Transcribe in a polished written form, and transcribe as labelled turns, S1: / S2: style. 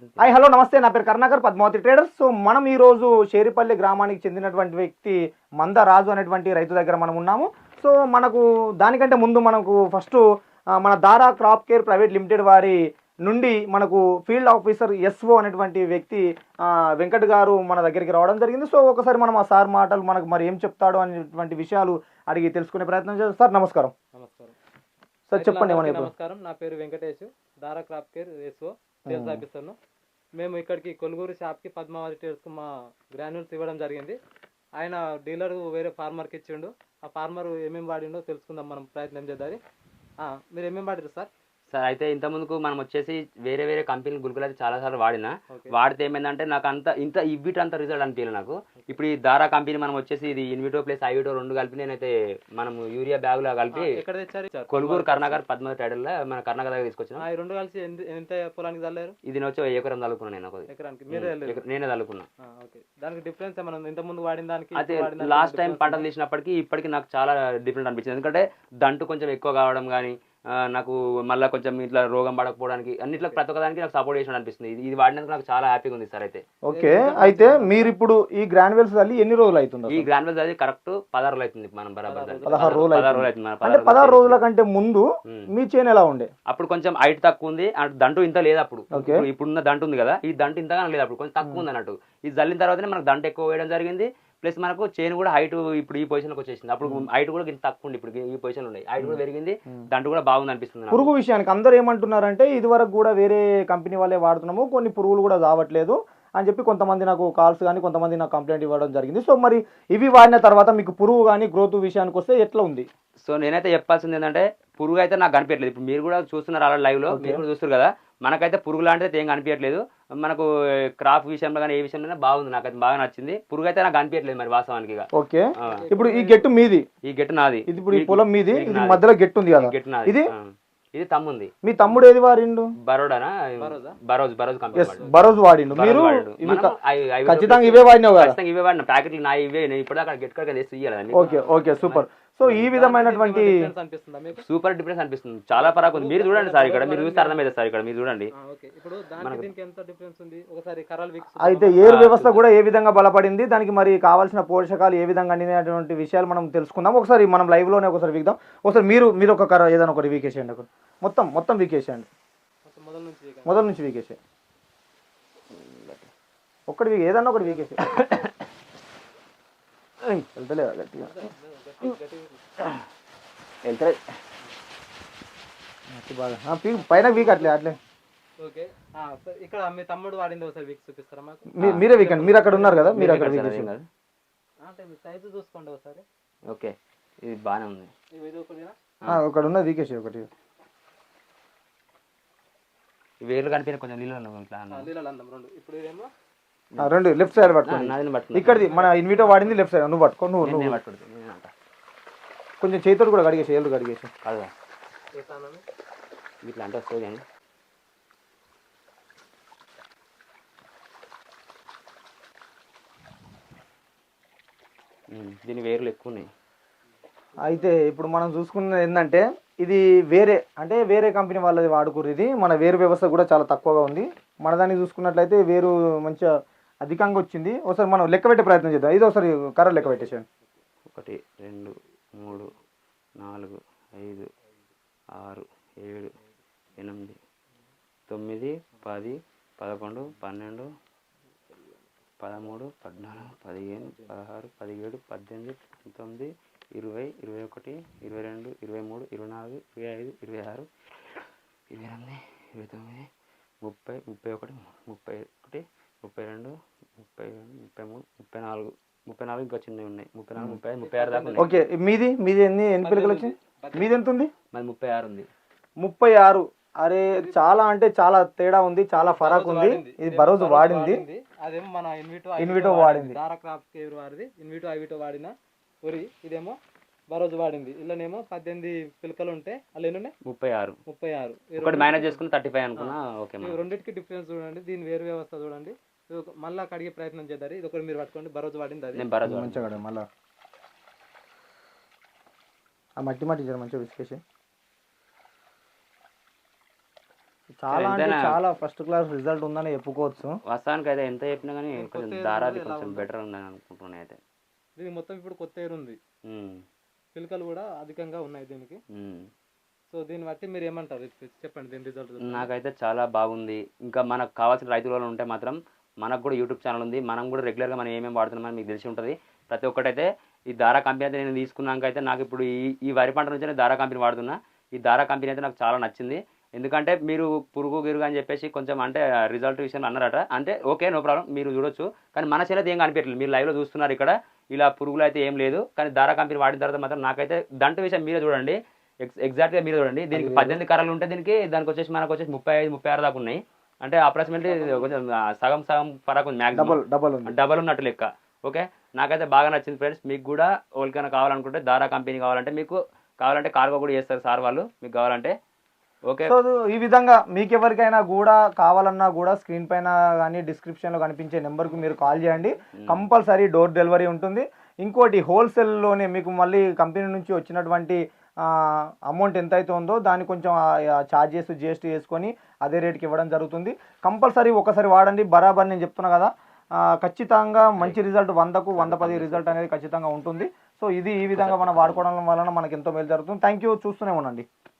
S1: Hi hello నమస్తే, నా పేరు కరుణాకర్, పద్మావతి ట్రేడర్స్. సో మనం ఈరోజు షేరిపల్లి గ్రామానికి చెందినటువంటి వ్యక్తి మంద రాజు అనేటువంటి రైతు దగ్గర మనం ఉన్నాము. సో మనకు దానికంటే ముందు మనకు ఫస్ట్ మన దారా క్రాప్ కేర్ ప్రైవేట్ లిమిటెడ్ వారి నుండి మనకు ఫీల్డ్ ఆఫీసర్ ఎస్ఓ అనేటువంటి వ్యక్తి వెంకట్ గారు మన దగ్గరికి రావడం జరిగింది. సో ఒకసారి మనం ఆ సార్ మాటలు మనకు మరి ఏం చెప్తాడో అనేటువంటి విషయాలు అడిగి తెలుసుకునే ప్రయత్నం చేస్తాం. సార్ నమస్కారం.
S2: నమస్కారం
S1: సార్ చెప్పండి.
S2: నమస్కారం, నా పేరు Venkatesh, Dhara crop care SO sales ఆఫీసర్ను. మేము ఇక్కడికి కొలుగూరు షాప్కి పద్మావతి ట్రేడర్స్కి మా గ్రాన్యూల్స్ ఇవ్వడం జరిగింది. ఆయన డీలర్ వేరే ఫార్మర్కి ఇచ్చిండు. ఆ ఫార్మర్ ఏమేమి వాడిండో తెలుసుకుందాం, మనం ప్రయత్నం చేద్దాం. మీరు ఏమేమి వాడారు సార్?
S3: సార్ అయితే ఇంత ముందుకు మనం వచ్చేసి వేరే వేరే కంపెనీ గుల్కులు అయితే చాలా సార్లు వాడినా. వాడితే ఏమైందంటే నాకు అంత ఇవ్విట అంత రిజల్ట్ అనిపించలేదు నాకు. ఇప్పుడు ఈ దారా కంపెనీ మనం వచ్చేసి ఇది ఇన్విటో ప్లస్ ఐవిటో రెండు కలిపి నేనైతే మనం యూరియా బ్యాగులో కలిపి
S2: ఎక్కడ తెచ్చారు?
S3: కొలుగూరు కర్ణాకర్ పద్మావతి ట్రేడర్లో మన కర్ణాకర్ దగ్గర తీసుకొచ్చిన.
S2: ఈ రెండు కలిసి ఎంత పొలానికి చల్లారు?
S3: ఇది వచ్చి ఎకరం చల్లుకున్నాను నేను.
S2: ఎకరానికి
S3: నేనే చల్లుకున్నా.
S2: దానికి డిఫరెన్స్ మనం ఇంత ముందు వాడిన దానికి
S3: అయితే లాస్ట్ టైం పంటలు తీసినప్పటికీ ఇప్పటికి నాకు చాలా డిఫరెంట్ అనిపించింది. ఎందుకంటే దంటు కొంచెం ఎక్కువ కావడం కానీ నాకు మళ్ళీ కొంచెం ఇట్లా రోగం పడకపోవడానికి అన్నిట్లో ప్రతి ఒక్కదానికి నాకు సపోర్ట్ చేసినట్టు అనిపిస్తుంది. ఇది వాడినందుకు నాకు చాలా హ్యాపీగా ఉంది సార్. అయితే
S1: ఓకే, అయితే మీరు ఇప్పుడు ఈ గ్రాన్యువల్స్ తల్లి ఎన్ని రోజులు అవుతుంది?
S3: ఈ గ్రాన్యువల్స్ అది కరెక్ట్ 16 రోజులు అవుతుంది. మనం బరాబర్
S1: 16 రోజులు
S3: అవుతుంది.
S1: అంటే 16 రోజుల కంటే ముందు మీ చేను ఎలా ఉండే?
S3: అప్పుడు కొంచెం హైట్ తక్కువ ఉంది, దంటు ఇంత లేదు. అప్పుడు ఇప్పుడున్న దంటు ఉంది కదా, ఈ దంటు ఇంతగా లేదు. అప్పుడు కొంచెం తక్కువ ఉంది అన్నట్టు. ఇది జల్లిన తర్వాతనే మనకు దంటు ఎక్కువ వేయడం జరిగింది. ప్లస్ మనకు చైన్ కూడా హైట్ ఇప్పుడు ఈ పొజిషన్లోకి వచ్చేసింది. అప్పుడు హైట్ కూడా ఇంత తక్కువ ఉంది, ఇప్పుడు ఈ పొజిషన్ ఉన్నాయి. హైట్ కూడా పెరిగింది, దంటు కూడా బాగుంది అనిపిస్తుంది.
S1: పురుగు విషయానికి అందరూ ఏమంటున్నారంటే ఇది వరకు కూడా వేరే కంపెనీ వాళ్ళే వాడుతున్నాము, కొన్ని పురుగులు కూడా రావట్లేదు అని చెప్పి కొంతమంది నాకు కాల్స్ కానీ కొంతమంది నాకు కంప్లైంట్ ఇవ్వడం జరిగింది. సో మరి ఇవి వాడిన తర్వాత మీకు పురుగు కానీ గ్రోత్ విషయానికి వస్తే ఎట్లా ఉంది?
S3: సో నేనైతే చెప్పాల్సింది ఏంటంటే పురుగు అయితే నాకు కనిపించట్లేదు. ఇప్పుడు మీరు కూడా చూస్తున్నారు అలా లైవ్ లో, మీరు కూడా చూస్తారు కదా. మనకైతే పురుగు లాంటిది ఏం కనిపించట్లేదు. మనకు క్రాప్ విషయంలో కానీ ఏ విషయంలో బాగుంది, నాకైతే బాగా నచ్చింది. పురుగు అయితే నాకు కనిపించట్లేదు మరి వాస్తవానికి.
S1: ఓకే, ఇప్పుడు ఈ గెట్టు మీది,
S3: ఈ గెట్టు నాది.
S1: ఇది ఇప్పుడు ఈ పొలం మీది, మధ్యలో గెట్టు ఉంది కదా,
S3: గెట్టు నాది. ఇది తమ్ముంది.
S1: మీ తమ్ముడు ఏది వాడిండు?
S3: బరోడానా? బరోజ్ కంపెనీ
S1: బరోజ్ వాడిండు. మీరు ఖచ్చితంగా ఇవే వాడినావు కదా?
S3: ఇవే వాడిన ప్యాకెట్లు నా ఇవే. ఇప్పుడు అక్కడ గెట్ కడ ఇవ్వాలి.
S1: Okay okay, super. సో ఈ విధమైనటువంటి
S3: సూపర్ డిఫరెన్స్ అనిపిస్తుంది. చాలా పరాకు ఉంది. మీరు చూడండి సార్, ఇక్కడ మీరు చూస్తే అర్థమైంది సార్. ఇక్కడ మీరు చూడండి.
S1: అయితే ఏరు వ్యవస్థ కూడా ఏ విధంగా బలపడింది, దానికి మరి కావాల్సిన పోషకాలు ఏ విధంగా అందినటువంటి విషయాలు మనం తెలుసుకుందాం. ఒకసారి మనం లైవ్ లోనే ఒకసారి వీక్దాం. ఒకసారి మీరు ఒక కర్ర ఏదైనా ఒకటి వీకేసేయండి. ఒకటి మొత్తం వీకేసేయండి, మొదల నుంచి వీకేసేయండి. ఒక్కటి ఏదన్నా ఒకటి వీకేసే వెళ్తలేదు గట్టిగా వెళ్తలేదు బాగా పైన వీక్ అట్లే.
S2: ఇక్కడ మీ తమ్ముడు వాడింది ఒకసారి వీక్ చూపిస్తారా మాకు?
S1: మీరే వీకండి, మీరు అక్కడ ఉన్నారు కదా, మీరు అక్కడ
S2: సైజు చూసుకోండి ఒకసారి.
S3: ఓకే, ఇది బాగానే ఉంది.
S1: ఒకటి ఉన్నది వీకేసి ఒకటి
S3: వేర్లు కనిపించిన కొంచెం నీళ్ళు
S2: రెండు. ఇప్పుడు ఇదేమో
S1: రెండు లెఫ్ట్ సైడ్ పట్టుకోండి. ఇక్కడిది మన ఇన్విటో వాడింది లెఫ్ట్ సైడ్. నువ్వు పట్టుకో, నువ్వు కొంచెం చేతులు కూడా కడిగేసి, ఏళ్ళు కడిగేసి
S3: ఇట్లా అంటే వస్తుంది. కానీ దీని వేర్లు ఎక్కువ ఉన్నాయి.
S1: అయితే ఇప్పుడు మనం చూసుకున్నది ఏంటంటే ఇది వేరే కంపెనీ వాళ్ళది వాడుకుర్రు. ఇది మన వేరు వ్యవస్థ కూడా చాలా తక్కువగా ఉంది. మన దాన్ని చూసుకున్నట్లయితే వేరు మంచిగా అధికంగా వచ్చింది. ఒకసారి మనం లెక్క పెట్టే ప్రయత్నం చేద్దాం. ఇది ఒకసారి కర్ర లెక్క పెట్టేసాను.
S3: 1 2 3 4 5 6 7 8 9 10 11 12 13 14 15 16 17 18 19 20 21 22 23 24 25 26 28 29 30 31 32 33 34 ఇంకా చిన్నవి ఉన్నాయి. 34 35 36 దాకా ఉన్నాయి.
S1: ఓకే, మీది ఎన్ని పిల్లకలు వచ్చింది? మీది ఎంత ఉంది?
S3: మరి 36 ఉంది.
S1: 36. అరే చాలా అంటే చాలా తేడా ఉంది, చాలా ఫరాక్ ఉంది. ఇది బరోజ్ వాడింది,
S2: అదేమో మన
S1: ఇన్విటో వాడింది.
S2: దారా క్రాప్ కేర్ వాడింది ఇన్విటో ఐవిటో వాడిన వరి. ఇదేమో బరోజ్ వాడింది. ఇలానేమో 18 పిలకలు ఉంటే అలా ఎన్ని ఉన్నాయి? 36.
S3: ఒకటి మేనేజ్ చేసుకుని 35 అనుకున్నా. ఓకే,
S2: రెండింటికి డిఫరెన్స్ చూడండి. దీని వేరు వ్యవస్థ చూడండి. మళ్ళీ కడిగే ప్రయత్నం చేద్దారు. ఇది ఒకటి మీరు పట్టుకోండి. బరోజ్ వాడింది, అది
S1: మంచిగా మళ్ళీ ఆ మట్టి మంచిగా విసికేసి చాలా అంటే
S3: ఎంతైనా-
S1: చాలా ఫస్ట్ క్లాస్ రిజల్ట్ ఉందని చెప్పుకోవచ్చు.
S3: వాస్తవానికి అయితే ఎంత చెప్పినా కానీ కొంచెం
S2: కొత్త
S3: దారాది
S2: ఎలా
S3: కొంచెం
S2: ఉందో.
S3: బెటర్ ఉందని అనుకుంటున్నాను అయితే.
S2: దీనికి మొత్తం ఇప్పుడు కొత్త ఎయిర్ ఉంది,
S3: ఉమ్,
S2: పిలకలు కూడా అధికంగా ఉన్నాయి దీనికి.
S3: ఉమ్.
S2: సో దీన్ని బట్టి మీరు ఏమంటారు, చెప్పండి దీని రిజల్ట్.
S3: నాకైతే చాలా బాగుంది. ఇంకా మనకు కావాల్సిన రైతులు ఉంటే మాత్రం మనకు కూడా యూట్యూబ్ ఛానల్ ఉంది, మనం కూడా రెగ్యులర్గా మనం ఏమేమి వాడుతున్నామని మీకు తెలిసి ఉంటుంది. ప్రతి ఒక్కటైతే ఈ దారా కంపెనీ అయితే నేను తీసుకున్నాక అయితే నాకు ఇప్పుడు ఈ వరి పంట నుంచి నేను దారా కంపెనీ వాడుతున్నా. ఈ దారా కంపెనీ అయితే నాకు చాలా నచ్చింది. ఎందుకంటే మీరు పురుగు గిరుగు అని చెప్పేసి కొంచెం అంటే రిజల్ట్ విషయంలో అన్నారట, అంటే ఓకే నో ప్రాబ్లం, మీరు చూడొచ్చు. కానీ మన చేతి ఏం కనిపించలేదు, మీరు లైవ్లో చూస్తున్నారు ఇక్కడ ఇలా పురుగులు అయితే ఏం లేదు. కానీ దారా కంపెనీ వాడిన తర్వాత మాత్రం నాకైతే దంటు విషయం మీరే చూడండి, ఎగ్జాక్ట్గా మీరు చూడండి. దీనికి 18 కర్రలు ఉంటే దానికి వచ్చేసి మనకు వచ్చేసి 35-36 దాకా ఉన్నాయి. అంటే అప్రాక్సిమేట్లీ కొంచెం సగం పరకు మ్యాక్సిమం డబల్ ఉన్నట్టు లెక్క. ఓకే, నాకైతే బాగా నచ్చింది ఫ్రెండ్స్. మీకు కూడా ఎవరికైనా కావాలనుకుంటే దారా కంపెనీ కావాలంటే, మీకు కావాలంటే కార్గో కూడా చేస్తారు సార్ వాళ్ళు, మీకు కావాలంటే. ఓకే,
S1: సో ఈ విధంగా మీకు ఎవరికైనా కూడా కావాలన్నా కూడా స్క్రీన్ పైన కానీ డిస్క్రిప్షన్లో కనిపించే నెంబర్కి మీరు కాల్ చేయండి, కంపల్సరీ డోర్ డెలివరీ ఉంటుంది. ఇంకోటి హోల్సేల్లోనే మీకు మళ్ళీ కంపెనీ నుంచి వచ్చినటువంటి అమౌంట్ ఎంత అయితే ఉందో దాన్ని కొంచెం ఛార్జెస్ జిఎస్టీ వేసుకొని అదే రేట్కి ఇవ్వడం జరుగుతుంది. కంపల్సరీ ఒకసారి వాడండి, బరాబర్ నేను చెప్తున్నా కదా, ఖచ్చితంగా మంచి రిజల్ట్ 100కు 110 రిజల్ట్ అనేది ఖచ్చితంగా ఉంటుంది. సో ఇది ఈ విధంగా మనం వాడుకోవడం వలన మనకి ఎంతో మేలు జరుగుతుంది. థ్యాంక్ యూ, చూస్తూనే ఉండండి.